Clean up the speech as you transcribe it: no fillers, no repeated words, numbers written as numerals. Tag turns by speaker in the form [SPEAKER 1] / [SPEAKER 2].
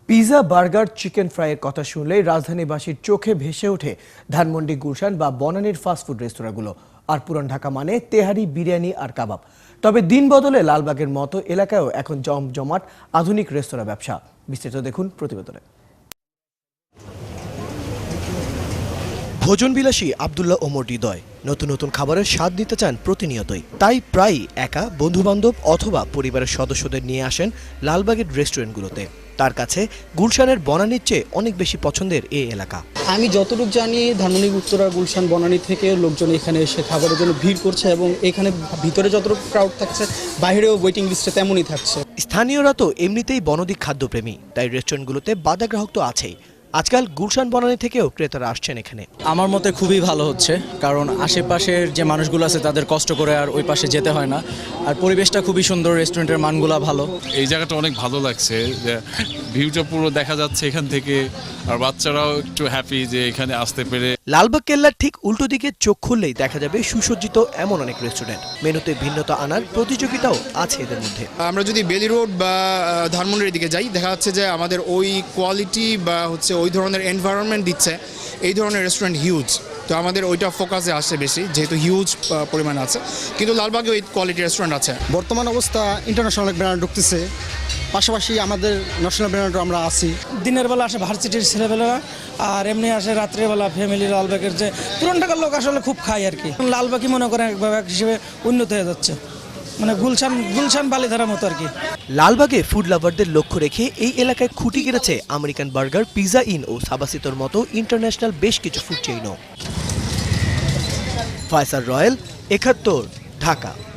[SPEAKER 1] Pizza, burger, chicken ফ্রাইয়ের কথা শুনলেই রাজধানীবাসীর চোখে ভেসে ওঠে ধানমন্ডি, গুলশান বা বনানীর ফাস্টফুড রেস্তোরাঁগুলো। আর পুরান ঢাকা মানে তেহারি, বিরিয়ানি আর কাবাব। তবে দিন বদলে লালবাগের মতো এলাকায়ও এখন জমজমাট আধুনিক রেস্তোরাঁ ব্যবসা। বিস্তারিত দেখুন প্রতিবেদনে। ভোজনবিলাসী আব্দুল্লাহ ওমর হৃদয় নতুন নতুন খাবারের স্বাদ নিতে চান প্রতিনিয়তই। তাই প্রায়ই একা, বন্ধুবান্ধব অথবা পরিবারের সদস্যদের নিয়ে আসেন লালবাগের রেস্টুরেন্টগুলোতে। তার কাছে গুলশানের বনানীর চেয়ে অনেক বেশি পছন্দের এই এলাকা।
[SPEAKER 2] আমি যতটুকু জানি ধানমন্ডি, উত্তরা, গুলশান, বনানী থেকে লোকজন এখানে এসে খাবারের জন্য ভিড় করছে এবং এখানে ভিতরে যতটুকু ক্রাউড থাকছে বাইরেও ওয়েটিং লিস্টে তেমনই থাকছে।
[SPEAKER 1] স্থানীয়রা তো এমনিতেই বনদী খাদ্যপ্রেমী, তাই রেস্টুরেন্টগুলোতে বাধা গ্রাহক তো আছেই। আজকাল গুলশান, বনানী থেকেও ক্রেতারা আসছেন এখানে।
[SPEAKER 3] আমার মতে খুবই ভালো হচ্ছে, কারণ আশেপাশের যে মানুষগুলো আছে তাদের কষ্ট করে আর ওই পাশে যেতে হয় না। আর পরিবেশটা খুবই সুন্দর, রেস্টুরেন্টের মানগুলো ভালো।
[SPEAKER 4] এই জায়গাটা অনেক ভালো লাগছে, যে ভিউটা পুরো দেখা যাচ্ছে এখান থেকে, আর বাচ্চারাও একটু হ্যাপি যে এখানে আসতে পেরে।
[SPEAKER 1] লালবাগ কেল্লার ঠিক উল্টো দিকে চোখ খুললেই দেখা যাবে সুসজ্জিত এমন অনেক রেস্টুরেন্ট। মেনুতে ভিন্নতা আনার প্রতিযোগিতাও আছে এদের মধ্যে।
[SPEAKER 5] আমরা যদি বেলি রোড বা ধানমন্ডির দিকে যাই, দেখা যাচ্ছে যে আমাদের ওই কোয়ালিটি বা ওই ধরনের এনভায়রনমেন্ট দিচ্ছে এই ধরনের রেস্টুরেন্ট হিউজ। তো আমাদের ওইটা ফোকাসে আসে বেশি, যেহেতু হিউজ পরিমাণ আছে। কিন্তু লালবাগে ওই কোয়ালিটি রেস্টুরেন্ট আছে।
[SPEAKER 2] বর্তমান অবস্থা ইন্টারন্যাশনাল ব্র্যান্ড ঢুকতেছে, পাশাপাশি আমাদের ন্যাশনাল ব্র্যান্ডও আমরা আছি।
[SPEAKER 6] দিনের বেলা আসে ভার্সিটির ছেলেবেলারা, আর এমনি আসে রাত্রেবেলা ফ্যামিলি। লালবাগের যে পুরান ঢাকার লোক আসলে খুব খায় আর কি। লালবাগই মনে করেন একভাবে হিসেবে উন্নত হয়ে যাচ্ছে, মানে গুলশান বালিধারার মতো আর কি।
[SPEAKER 1] লালবাগে ফুড লাভারদের লক্ষ্য রেখে এই এলাকায় খুঁটি গেড়েছে আমেরিকান বার্গার, পিজা ইন ও সাবাসিতোর মতো ইন্টারন্যাশনাল বেশ কিছু ফুড চেইনও। ফয়সাল রয়েল, ৭১, ঢাকা।